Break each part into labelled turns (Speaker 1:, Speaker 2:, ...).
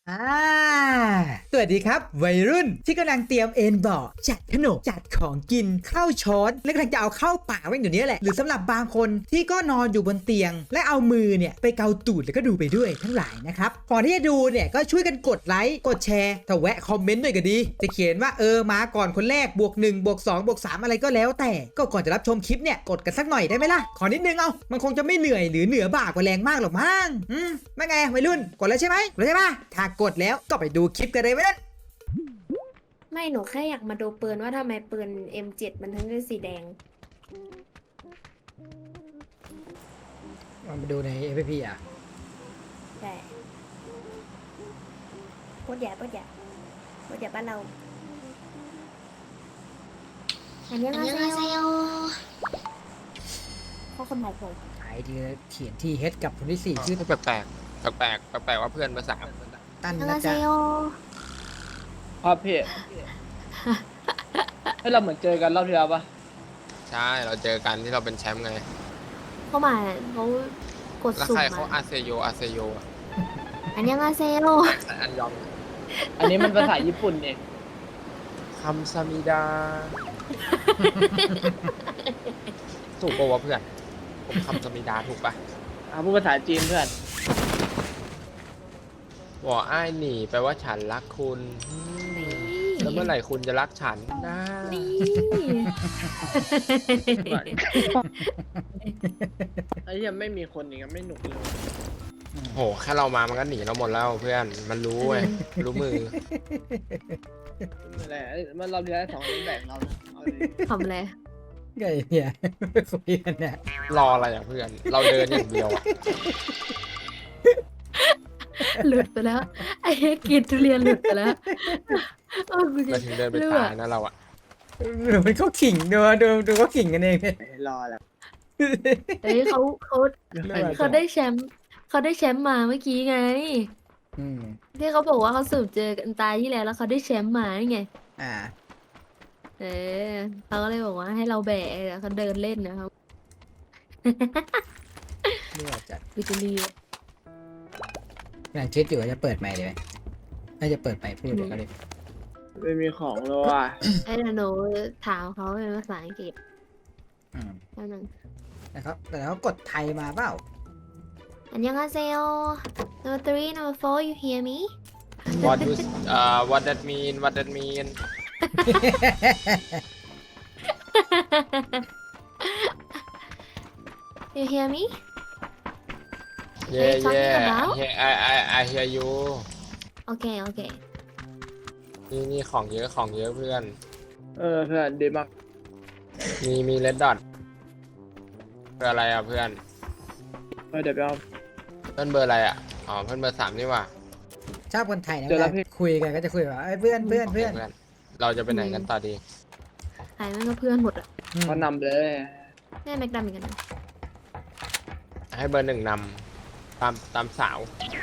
Speaker 1: อ่าสวัสดีครับวัยรุ่นที่กำลังเตรียมเอนเบาะจัดขนมจัดของกินเข้าช้อนและกำลังจะเอาเข้าปากไว้อยู่นี้แหละหรือสำหรับบางคนที่ก็นอนอยู่บนเตียง และเอามือเนี่ยไปเกาตูดแล้วก็ดูไปด้วยทั้งหลายนะครับก่อนที่จะดูเนี่ยก็ช่วยกันกดไลค์กดแชร์ถ้าแวะคอมเมนต์ด้วยก็ดีจะเขียนว่ามาก่อนคนแรกบวก 1 บวก 2 บวก 3อะไรก็แล้วแต่ก็ก่อนจะรับชมคลิปเนี่ยกดกันสักหน่อยได้ไหมล่ะขอนิดนึงเอามันคงจะไม่เหนื่อยหรือเหนือบ่ากว่าแรงมากหรอกมั้งไม่ไงวัยรุ่นกดแล้วใช่ไหมกดแล้วใช่ปะถ้ากดแล้วก็ไปดูคลิปกันเลยไหมนั่น
Speaker 2: ไม่หนูแค่อยากมาดูปืนว่าทำไมปืน M7 มันถึงเป็นสีแดง
Speaker 1: มาดูใน FPP อ่ะ
Speaker 2: ใช่ปวดใหญ่ปวดใหญ่ปวดใหญ่บ้านเราอันนี้มาเซลเขาคนไหนผม
Speaker 1: ไอทีเขียนที่ H กับคนที่ 4 ชื่อ
Speaker 3: แปลกแปลกแปลกแปลกว่าเพื่อนภาษา
Speaker 1: ตัน
Speaker 2: อัน
Speaker 1: นะ
Speaker 2: นี้เซ
Speaker 1: จ๊ะ
Speaker 2: ล
Speaker 4: ครับพี่ ให้เราเหมือนเจอกันรอบที่แล้วปะ
Speaker 3: ใช่เราเจอกันที่เราเป็นแชมป์ไง
Speaker 2: เข้ามาเขากด
Speaker 3: แล้ว
Speaker 2: สุ่ม
Speaker 3: ใครเขา
Speaker 2: มา
Speaker 3: อาเซโยอะ
Speaker 2: อันนี้มาเซล
Speaker 3: อันยอง
Speaker 4: อันนี้มันภาษาญี่ปุ่นเนี่ย
Speaker 3: คำซามิดาถูกปะวะเพื่อนผมคำซามิดาถูกปะ
Speaker 4: พูดภาษาจีนเพื่อน
Speaker 3: วออ้ายหนีแปลว่าฉันรักคุณแล้วเมื่อไหร่คุณจะรักฉันนะ
Speaker 2: นี่
Speaker 4: ไอ้เหี้ยังไม่มีคนอย่างเงี้ยไม่หนุกเลย
Speaker 3: โหแค่เรามามันก็หนีเราหมดแล้วเพื่อนมันรู้เว้ยรู้มือ
Speaker 4: นั่นแหละมันรอบที่แล้ว2คนแบ่งเรานะเอาดิ
Speaker 2: ทำอะไร
Speaker 1: ไงเนี่ยคุยกันเนี่ย
Speaker 3: รออะไรอ่ะเพื่อน เราเดินอย่างเดียวอ่ะ
Speaker 2: หลุดไปแล้ว ไอ้กินทุเรียนหลุดไปแล้วกูจะ
Speaker 3: เราถึงเดินไป
Speaker 2: เลือ
Speaker 3: ตายนะเราอ่ะ
Speaker 1: หรือมันเขาขิงดูเขาขิงกันเองเนี่ย
Speaker 4: รอแล้ว
Speaker 2: เฮ้ยเขาได้แชมป์เขาได้แชมป์มาเมื่อกี้ไง
Speaker 1: อืม
Speaker 2: ที่เขาบอกว่าเขาสืบเจอกันตายที่แล้วแล้วเขาได้แชมป์มานี่ไง
Speaker 1: อ่า
Speaker 2: เออเขาก็เลยบอกว่าให้เราแบกแล้วเขาเดินเล่นนะครับ
Speaker 1: เลือดจัด
Speaker 2: วิจิลี
Speaker 1: กำลังคิดอยู่ว่าจะเปิดไมค์เลยไหมน่าจะเปิดไมค์พูดเดี๋ยวก็เลย
Speaker 4: ไม่มีของเลยว่ะ
Speaker 2: ไอ้หนูถามเขาเป็นภาษาอังกฤษ
Speaker 1: อืม
Speaker 2: แล้วนึง
Speaker 1: แต่เขากดไทยมาเปล่า
Speaker 2: อันยังอาเซโอ number 3 number 4 you hear me
Speaker 3: what that mean
Speaker 2: you hear me
Speaker 3: yeah
Speaker 2: talking
Speaker 3: yeah
Speaker 2: about?
Speaker 3: I hear you
Speaker 2: โอเคโอเค
Speaker 3: นี่ของเยอะเพื่อน
Speaker 4: เพื่อนดีมาก
Speaker 3: มีเลดดอทเพื่ออะไรอ่ะเพื่อน
Speaker 4: เดี๋ยวไปเอา
Speaker 3: เพื่อนเบอร์อะไรอ่ะอ๋อเพื่อนเบอร์ 3นี่หว่า
Speaker 1: ชอบคนไทยนะ
Speaker 4: เดี๋ยว
Speaker 1: เว
Speaker 4: นะ
Speaker 1: ลา
Speaker 4: พี่
Speaker 1: คุยกันก็จะคุยแบบเพื่อน
Speaker 3: เราจะไปไหนกันต่อดี
Speaker 2: ใครมันก็เพื่อนหมดอ่ะ
Speaker 4: เขานำเลย
Speaker 2: แม่แม็กดัมเหมือนกันนะ
Speaker 3: ให้เบอร์ 1นำตามสาว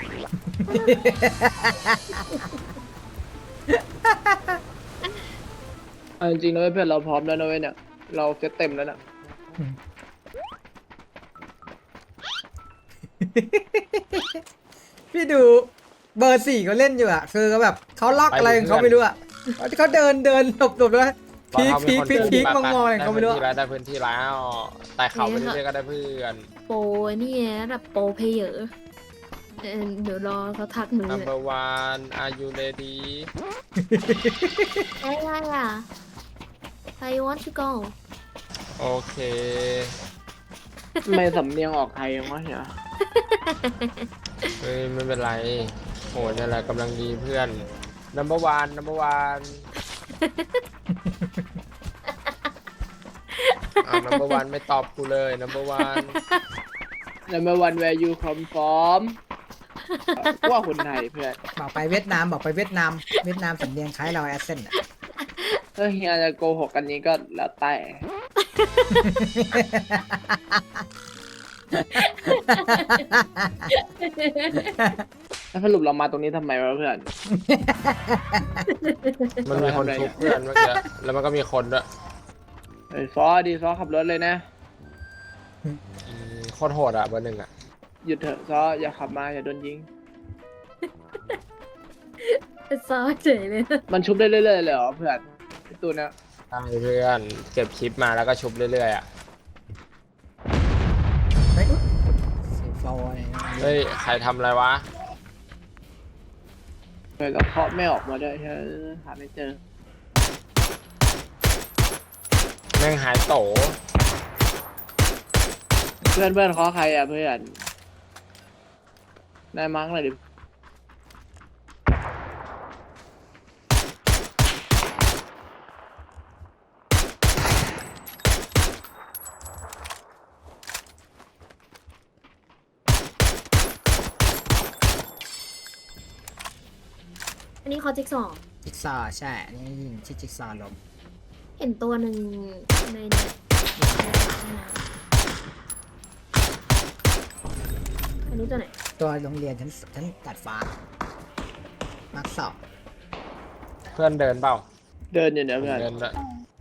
Speaker 4: เอาจริงๆนะเว้ยเพื่อนเราพร้อมแล้วนะเว้ยเนี่ยเราเซตเต็มแล้วนะ
Speaker 1: พี่ดูเบอร์ 4เขาเล่นอยู่อ่ะคือเขาแบบเขาล็อกอะไรของเขาไม่รู้อ่ะเขาเดินหลบแล้วพีคมองอะไรของเขาไม่รู้
Speaker 3: ได้พื้นที่แล้วแต่เขาไปเรื่อยๆก็ได้เพื่อน
Speaker 2: โปรนี่ไงระดับโปรเพลเยอร์เดี๋ยวรอเขาทักหนูเลย
Speaker 3: number one are you ready
Speaker 2: อะไรอ่ะ I want to go
Speaker 3: โอเค
Speaker 4: ทำไมสำเนียงออกไทยยังวะเนี่ย
Speaker 3: เฮ้ยไม่เป็นไรโหนี่แหละกำลังดีเพื่อน number one อ้าว number one ไม่ตอบกูเลย number one
Speaker 4: แล้วเมื่อวัน where you come from ว่าคนไทยเพื่อน
Speaker 1: บอกไปเวียดนามสำเนียงคล้ายเราแอสเซนต์อ่ะ
Speaker 4: ถ้าเฮียจะโกหกกันนี้ก็แล้วแต่แล้วสรุปเรามาตรงนี้ทำไมวะเพื่อน
Speaker 3: มันมีคนทุบเพื่อนเมื่อกี้แล้วมันก็มีคนด้วย
Speaker 4: ซอขับรถเลยนะ
Speaker 3: โคตรโหดอ่ะเบอร์ 1อ่ะ
Speaker 4: หยุดเถอะซออย่าขับมาอย่าโดนยิง
Speaker 2: เป็นซอสเฉยเลยนะ
Speaker 4: มันชุบได้เรื่อยๆเลยเหรอเพื่อนไอ้ตัวเนี้ย
Speaker 3: ใช่เพื่อนเก็บคลิปมาแล้วก็ชุบเรื่อยๆอ่ะ
Speaker 1: เฮ้ยเสียงฟลอย
Speaker 3: เฮ้ยใครทำอะไรวะ
Speaker 4: เพื่อนเราเคาะไม่ออกมาด้วยใช่ไหมหาไม่เจอ
Speaker 3: แม่งหายโต
Speaker 4: เพื่อนเคาะใครอ่ะเพื่อนนายมั้งเลยดิ
Speaker 2: อันนี้เขาจิ๊กซอว์
Speaker 1: จิ๊กซอว์ใช่อันนี้ยิงที่จิ๊กซอว์ลม
Speaker 2: เห็นตัวหนึ่งในเนี่ยอันนี้ตัวไหน
Speaker 1: ตัวโรงเรียนชั้นตัดฟ้ามาร์คสอง
Speaker 3: เพื่อนเดินเปล่า
Speaker 4: เดินอยู่เนี่ยเพื่อน
Speaker 3: เดินด้วย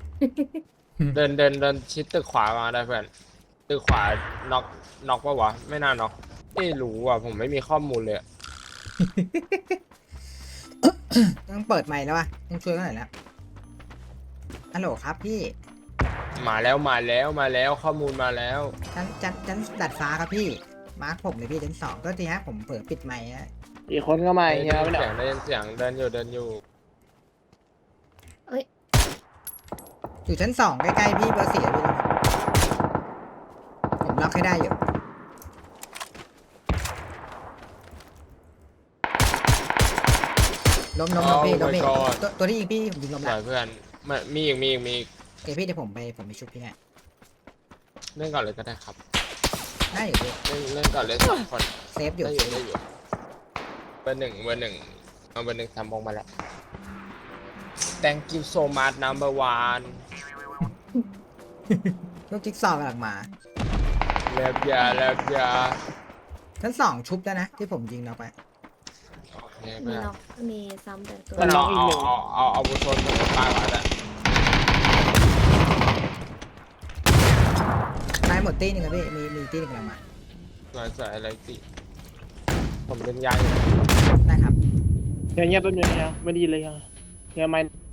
Speaker 3: เดินชิดตึกขวามาได้เพื่อนตึกขวาน็อกปะวะไม่น่าน็อกไม่รู้อ่ะผมไม่มีข้อมูลเลยอะ
Speaker 1: ต้องเปิดไมค์แล้ววะต้องช่วยกันหน่อยแล้วฮัลโหลครับพี่
Speaker 3: มาแล้วข้อมูลมาแล้ว
Speaker 1: ชั้นดัดฟ้าครับพี่มาร์คผมเลยพี่ชั้นสองก็ทีฮะผมเปิดปิดไมค์นะ
Speaker 4: อีกคนก็มา
Speaker 3: ได้
Speaker 4: อีก
Speaker 3: ยิ
Speaker 4: แล้ว
Speaker 3: น
Speaker 4: เนี่ย
Speaker 3: เสียงได้ยินเสียงเดินอยู่
Speaker 1: อยู่ชั้นสองใกล้ๆพี่เบอร์สี่พี่ผมล็อกให้ได้อยู่ล้มพี่ล้มพี่ตัวที่ยิงพี่ผมยิงล้ม
Speaker 3: ส
Speaker 1: แล้ว
Speaker 3: วยเพื่อนมีอีก
Speaker 1: โอเคพี่เดี๋ยวผมไปชุบพี่ให้
Speaker 3: เล่นก่อนเลยก็ได้ครับ
Speaker 1: ได้อยู่พี่
Speaker 3: เล่นก่อนเลย2 คน
Speaker 1: เซฟอยู่
Speaker 3: ได้อยู่เบอร์หนึ่งเอาเบอร์หนึ่งทำมงมาแล้ว thank you so much number one
Speaker 1: ลูกจิ๊กซอว์กำลังมา
Speaker 3: เลิฟยา
Speaker 1: ชั้นสองชุบแล้วนะที่ผมยิงเราไป
Speaker 3: โอเค
Speaker 2: มี
Speaker 3: เพื่อน
Speaker 2: ล็อกมีซ้ำแต่ตัว
Speaker 3: มันลองเอาบุชนมาตายก่อนอะ
Speaker 1: ตายหมดตีหนึ่งครับพี่มีตีหนึ่งกำลังมา
Speaker 3: สวยอะไรสิผมเป็นยายอยู่
Speaker 1: ได้ครับ
Speaker 4: เงียบๆแป๊บนึงเนี่ยไม่ได้ยินเลยยังเงียบไหม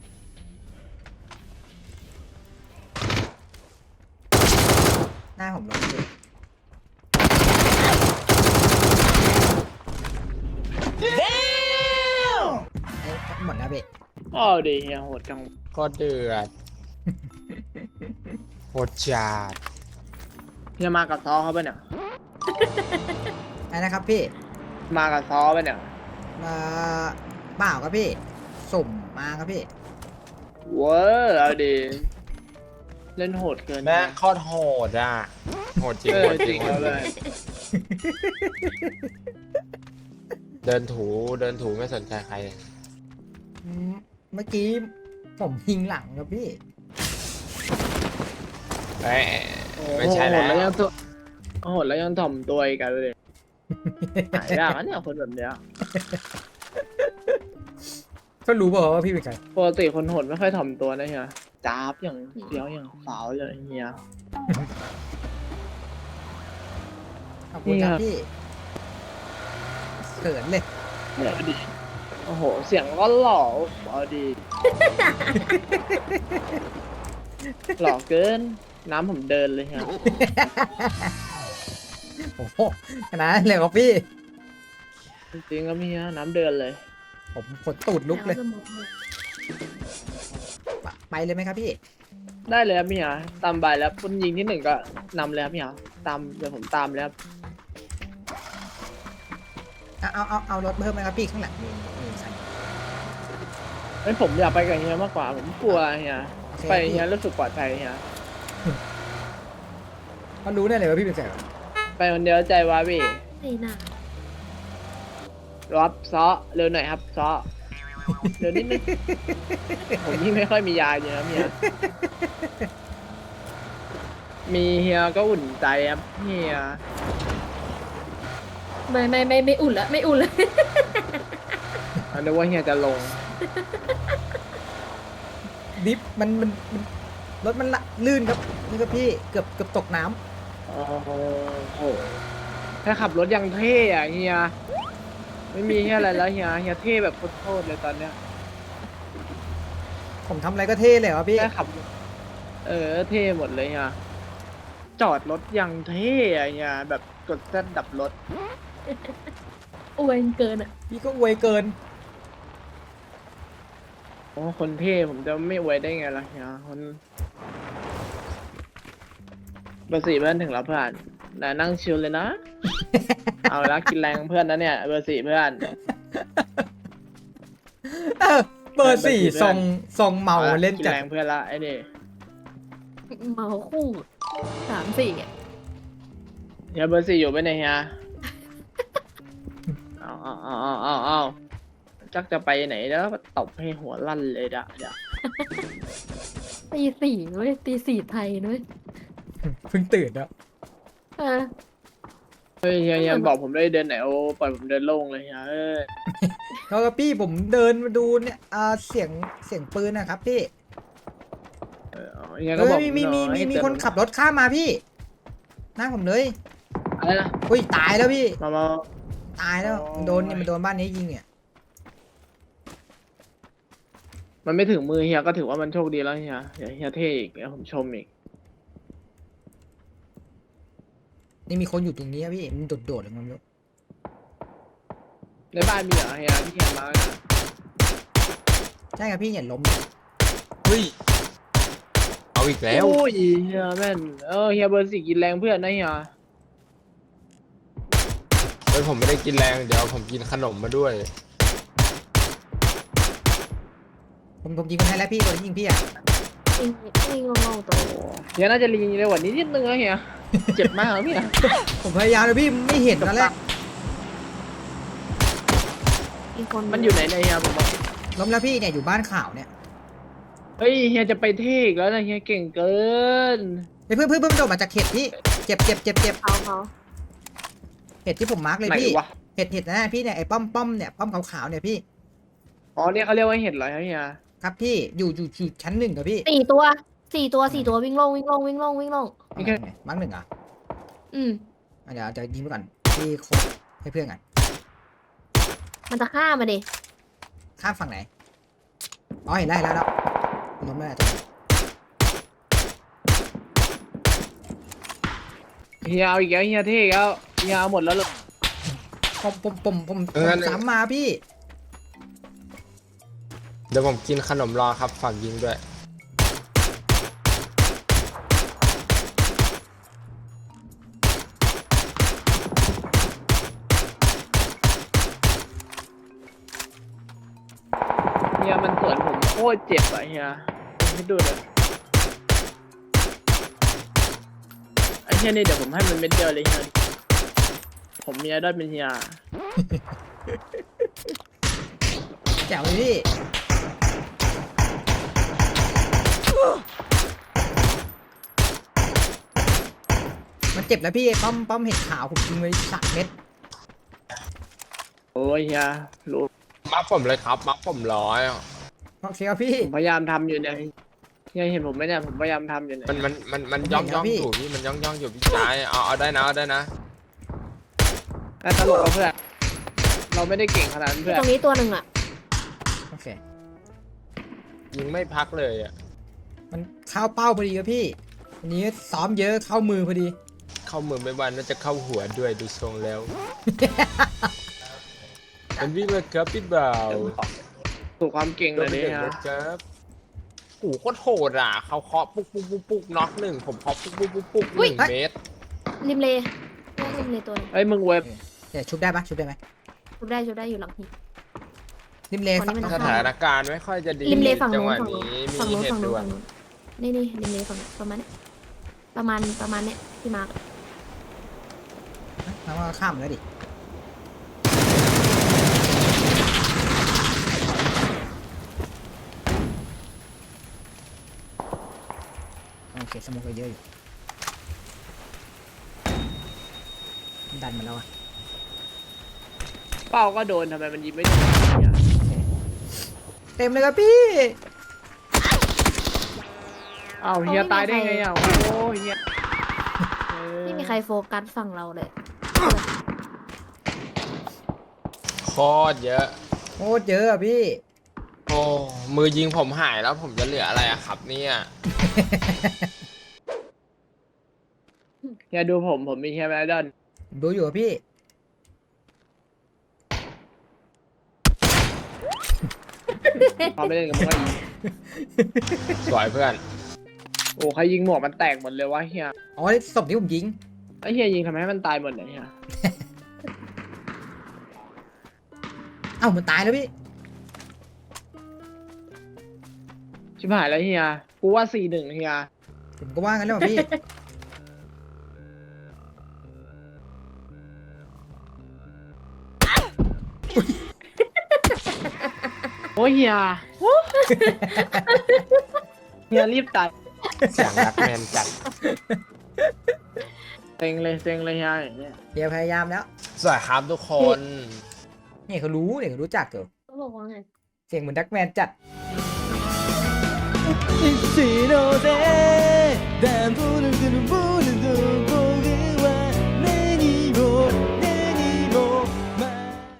Speaker 1: หน้าผมลงพี่หมดแล้วพี่
Speaker 4: อ๋อดีเฮียโหดจัง
Speaker 3: ก็เดือดโหดจัด
Speaker 4: เฮียมากับซอเขาปะเนี่ย
Speaker 1: ไอ้นะครับพี่
Speaker 4: มากับซอปะเนี่ย
Speaker 1: เปล่าครับพี่สุ่มมาครับพี่
Speaker 4: เว้ยเอาดีเล่นโหดเกิน
Speaker 3: แม่โคตรโหดอ่ะโหดจริง
Speaker 4: เอ
Speaker 3: โห
Speaker 4: อ
Speaker 3: ด
Speaker 4: จ
Speaker 3: จ
Speaker 4: ริ
Speaker 3: ริ
Speaker 4: ง
Speaker 3: ง
Speaker 4: แล้วเลย
Speaker 3: เดินถูไม่สนใจใคร
Speaker 1: เมื่อกี้ผมยิงหลังครับพี่
Speaker 3: เอ้ยไม่ใช่แล้ว
Speaker 4: โหดแล้วยังตัวโหดแล้วยังถ่อมตัวอีกกันเลยหายากนะเนี่ยคนแบบเนี้ย
Speaker 1: ก็รู้เปล่าว่าพี่เป็นใคร
Speaker 4: ปกติคนโหดไม่ค่อยถ่อมตัวนะเฮียจ้าบอย่างเดียวอย่างสาวเลยเฮีย
Speaker 1: ขอบคุณครับพี่เขินเลย
Speaker 4: เนี่ยดิโอ้โหเสียงก็หล่อเอาดี หล่อเกินน้ำผมเดินเลยฮะ
Speaker 1: โอ้โหขนาดนั้นเลยครับพี่
Speaker 4: จริงๆก็มีฮะน้ำเดินเลย
Speaker 1: ผมขนตูดลุกเลย
Speaker 2: แวสมองเลย
Speaker 1: ไปเลยไหมครับพี่
Speaker 4: ได้เลยครับพี่ฮะตามใบแล้วคนยิงที่หนึ่งก็นำเลยครับพี่ฮะตามเดี๋ยวผมตามเลยครับ
Speaker 1: เอารถเพิ่มไหมครับพี่ข้างหลังมีคัน
Speaker 4: เฮ้ยผมอยากไปกับเฮียมากกว่าผมกลัวเฮีย
Speaker 1: โอเค
Speaker 4: ไปเฮียรู้สึกปลอดภัยเฮีย
Speaker 1: เขารู้แน่เลยว่าพี่เป็นใคร
Speaker 4: ไปคนเดียวใจวาพี่
Speaker 2: ไม่น่า
Speaker 4: รับซอเร็วหน่อยครับซอเร็วนิดนึงผมนี่ไม่ค่อยมียาอยู่นะเฮียมีเฮียก็อุ่นใจครับเฮีย
Speaker 2: ไม่อุ่นละไม่อุ่นละ
Speaker 4: อันนี้ว่าเฮียจะลง
Speaker 1: ดิฟมันรถมันละลื่นครับนี่ครับพี่เกือบตกน้ำ
Speaker 4: โอ้โหแค่ขับรถยังเท่อะเฮีย
Speaker 1: ผ
Speaker 4: ไม่มีแค่อะไรแล้วเฮียเท่แบบโคตรเลยตอนเนี้ย
Speaker 1: ผมทำอะไรก็เท่เลยเหรอพี่
Speaker 4: แค่ขับเท่หมดเลยเฮียจอดรถยังเท่อะเฮียแบบกดแซดดับรถ
Speaker 2: อวยเกินอ่ะ
Speaker 1: พี่ก็อวยเกิน
Speaker 4: โอ้คนเท่ผมจะไม่อวยได้ไงล่ะเฮียคนเบอร์สี่เพื่อนถึงแล้วเพื่อนน่ะนั่งชิลเลยนะ เอาละกินแรงเพื่อนนะเนี่ยเบอร์สี่เพื่อน
Speaker 1: เออเบอร์สี่
Speaker 4: เบอร์สี่
Speaker 1: ทรงเมาเล่น
Speaker 4: กิน
Speaker 1: จัด
Speaker 4: แรงเพื่อนละไอ้นี่
Speaker 2: เมาคู่3-4อ่ะ
Speaker 4: เฮียเบอร์สี่อยู่ไหมเนี่ยเฮียเอาจักจะไปไหนแล้วตบให้หัวลั่นเลยเดี๋ยว
Speaker 2: ตี 4นุ้ยตี 4ไทยนุ้ย
Speaker 1: เพิ่งตื่นแล้ว
Speaker 2: เออ
Speaker 4: เฮ้ยเฮียบอกผมได้เดินไหนโอ้ปล่อยผมเดินโล่งเลยเฮีย
Speaker 1: แล้วก็พี่ผมเดินมาดูเนี่ยเสียงปืนนะครับพี่
Speaker 4: เฮียก็บอก
Speaker 1: มีคนขับรถข้ามมาพี่หน้าผมเลย
Speaker 4: อะไรนะ
Speaker 1: อุ้ยตายแล้วพี่
Speaker 4: มา
Speaker 1: ตายแล้ว
Speaker 4: โอ้ย
Speaker 1: มันโดนบ้านนี้ยิงเนี่ย
Speaker 4: มันไม่ถึงมือเฮียก็ถือว่ามันโชคดีแล้วเฮียเท่อีกแล้วผมชมอีก
Speaker 1: นี่มีคนอยู่ตรงนี้อะพี่มันโดดๆเลยมันไม่รู้
Speaker 4: ในบ้านมีเหรอเฮียที่เฮียมาเนี่ย
Speaker 1: ใช่ครับพี่อย่าล้ม
Speaker 3: เฮ้ยเอาอีกแล้ว
Speaker 4: โอ้ยเฮียแม่นเฮียเบอร์สี่กินแรงเพื่อนนะเฮีย
Speaker 3: เฮ้ยผมไม่ได้กินแรงเดี๋ยวผมกินขนมมาด้วย
Speaker 1: ผมยิงคนให้แล้วพี่คนที่ยิงพี่อ่ะ
Speaker 2: นี่งงๆตัว
Speaker 4: เฮียน่าจะรีเร็วกว่านี้นิดนึงนะเฮีย เจ็บมากเหรอพี่
Speaker 1: ผมพยายามเลยพี่ไม่เห็นตอนแรก
Speaker 2: อีกคน
Speaker 4: มันอยู่ไหนเนี่ยเฮียผมบอก
Speaker 1: ล้มแล้วพี่เนี่ยอยู่บ้านข่าวเนี่ย
Speaker 4: เฮ้ยเฮียจะไปเท่อีกแล้วนะเฮียเก่งเกิน
Speaker 1: เฮ้ยเพื่อนโดดมาจากเห็ดพี่เจ็บ
Speaker 2: เขา
Speaker 1: เห็ดที่ผมมาร์กเลย
Speaker 4: ไหน
Speaker 1: พี่
Speaker 4: วะ
Speaker 1: เห็ดนะพี่เนี่ยไอ้ป้อมเนี่ยป้อมขาวๆเนี่ยพี่
Speaker 4: อ๋อเนี่ยเขาเรียกว่าเห็ดเหรอเฮีย
Speaker 1: ครับพี่อยู่ชั้น1กับพี่
Speaker 2: 4 ตัววิ่งลง
Speaker 1: มาร์ก1อ่ะ
Speaker 2: อืม
Speaker 1: เดี๋ยวจะยิงไปก่อนพี่โคตรให้เพื่อนกัน
Speaker 2: มันจะฆ่ามาดิ
Speaker 1: ข้ามฝั่งไหนอ๋อเห็นแล้วล้มแล้วตรงนี้
Speaker 4: เฮียเอาอีกแล้วเฮียเท่อีกแล้วเฮียเอาหมดแล้วเหรอ
Speaker 1: ผมซ้ำมาพี่
Speaker 3: เดี๋ยวผมกินขนมรอครับฝากยิงด้วย
Speaker 4: เฮียมันสวนผมโคตรเจ็บอะเฮียให้ดูเลยไอ้เฮียนี่เดี๋ยวผมให้มันเม็ดเดียวเลยเฮียผมมีไอดอลเป็นเฮีย
Speaker 1: แจ๋วเลยพี่มันเจ็บแล้วพี่ไอ้ป้อมเห็ดขาวผมยิงไป3 เม็ด
Speaker 4: โอ้ยเฮียรู้
Speaker 3: มักผมเลยครับมักผมร้อย
Speaker 1: โอเคครับพี่
Speaker 4: ผมพยายามทำอยู่เนี่ยเฮียเห็นผมไหมเนี่ยผมพยายามทำอยู่เนี่ย
Speaker 3: มันย่องอยู่พี่มันย่องอยู่พี่ชายเอาได้นะ
Speaker 4: แต่ตลกเอาเพื่อนเราไม่ได้เก่งขนาดนั้นเพื่อน
Speaker 2: ตรงนี้ตัวหนึ่งอ่ะ
Speaker 1: โอเค
Speaker 3: ยิงไม่พักเลยอ่ะ
Speaker 1: มันเข้าเป้าพอดีครับพี่วันนี้ซ้อมเยอะเข้ามือพอดี
Speaker 3: เข้ามือไม่วันน่าจะเข้าหัวด้วยดูทรงแล้ว มันวิ่งมาครับพี่บ่าว
Speaker 4: สู่ความเก่งเลยเนี่ย
Speaker 3: ครับโอ้โหโคตรโหดอ่ะเขาเคาะปุ๊กน็อก1ผมเคาะปุ๊ก
Speaker 2: อุ๊ย
Speaker 3: 1 เมตร
Speaker 2: ริมเลริมเลตัวหนึง
Speaker 4: เอ้ยมึงเว็บ
Speaker 1: เดี๋ยวชุบได้ไหม
Speaker 2: ชุบได้อยู่หลังหิน
Speaker 1: ริมเล
Speaker 2: คนนี้
Speaker 1: ฝั่ง
Speaker 2: มัน
Speaker 3: สถานการณ์ไม่ค่อยจะดี
Speaker 2: ริมเลฝั่ง
Speaker 3: จัง
Speaker 2: นู้
Speaker 3: ห
Speaker 2: น
Speaker 3: วะ
Speaker 2: ฝั่งนู้น
Speaker 3: นี้มี
Speaker 2: ฝั่งนู้น
Speaker 3: เห
Speaker 2: ฝั่ง
Speaker 3: ตุ
Speaker 2: นู้น
Speaker 3: ด่วน
Speaker 2: ฝั่งนู้นนี่ริมเลฝั่งประมาณเนี้ยประมาณเนี้ยที่มาร์ก
Speaker 1: แล้วก็ข้ามแล้วดิโอเคสโมกก็เยอะอยู่ดันมาแล้วอ่ะ
Speaker 4: เป้าก็โดนทำไมมันยิงไม่โดนเนี่ย
Speaker 1: เต็มเลยครับพี่
Speaker 4: อ้าวเฮียตายได้ไงอ่ะโอ้ยเฮีย
Speaker 2: ไม่มีใครโฟกัสฝั่งเราเลย
Speaker 3: ขโคตรเยอะ
Speaker 1: โคตรเยอะอะพี่
Speaker 3: โอ้มือยิงผมหายแล้วผมจะเหลืออะไรอะครับเนี่ย
Speaker 4: เฮียดูผมมีเฮียแมดดอน
Speaker 1: ผมดูอยู่อะพี่
Speaker 4: พอไม่เล่นกับมึงก็ยิง
Speaker 3: สวยเพื่อน
Speaker 4: โอ้ใครยิงหมวกมันแตกหมดเลยวะเฮีย
Speaker 1: อ๋อศพที่ผมยิง
Speaker 4: ไอ้เฮียยิงทำไมให้มันตายหมดเนี่ยเฮีย
Speaker 1: เอ้ามันตายแล้วพี่
Speaker 4: ชิบหายแล้วเฮียกูว่า4-1เฮีย
Speaker 1: ผมก็ว่างั้นแล้วอะพี่
Speaker 4: โอ้เฮียเฮียรีบตัด
Speaker 3: เสียงรักแมนจัด
Speaker 4: เซ็งเลยเฮียอย่างเงี้ย
Speaker 1: เดี๋ยวพยายามแล้ว
Speaker 3: สวยครับทุกคน
Speaker 1: เนี่ยเขารู้เนี่ยเขารู้จักเหรอ
Speaker 2: เขาบอกว่าไง
Speaker 1: เสียงเหมือนดักแมนจัด